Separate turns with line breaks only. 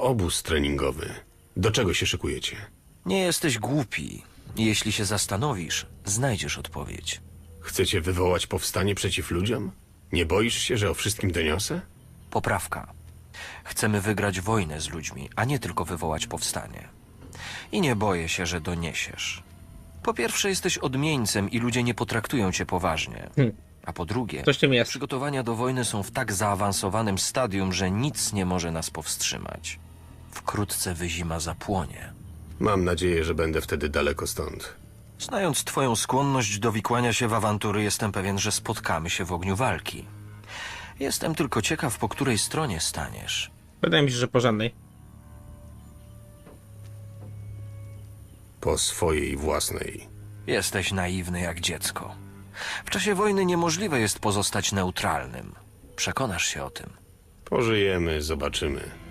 obóz treningowy. Do czego się szykujecie?
Nie jesteś głupi. Jeśli się zastanowisz, znajdziesz odpowiedź.
Chcecie wywołać powstanie przeciw ludziom? Nie boisz się, że o wszystkim doniosę?
Poprawka. Chcemy wygrać wojnę z ludźmi, a nie tylko wywołać powstanie. I nie boję się, że doniesiesz. Po pierwsze, jesteś odmieńcem i ludzie nie potraktują cię poważnie. A po drugie,
Coś w tym jest.
przygotowania do wojny są w tak zaawansowanym stadium, że nic nie może nas powstrzymać. Wkrótce wyzima zapłonie.
Mam nadzieję, że będę wtedy daleko stąd.
Znając twoją skłonność do wikłania się w awantury, jestem pewien, że spotkamy się w ogniu walki. Jestem tylko ciekaw, po której stronie staniesz.
Wydaje mi się, że po żadnej.
Po swojej własnej.
Jesteś naiwny jak dziecko. W czasie wojny niemożliwe jest pozostać neutralnym. Przekonasz się o tym.
Pożyjemy, zobaczymy.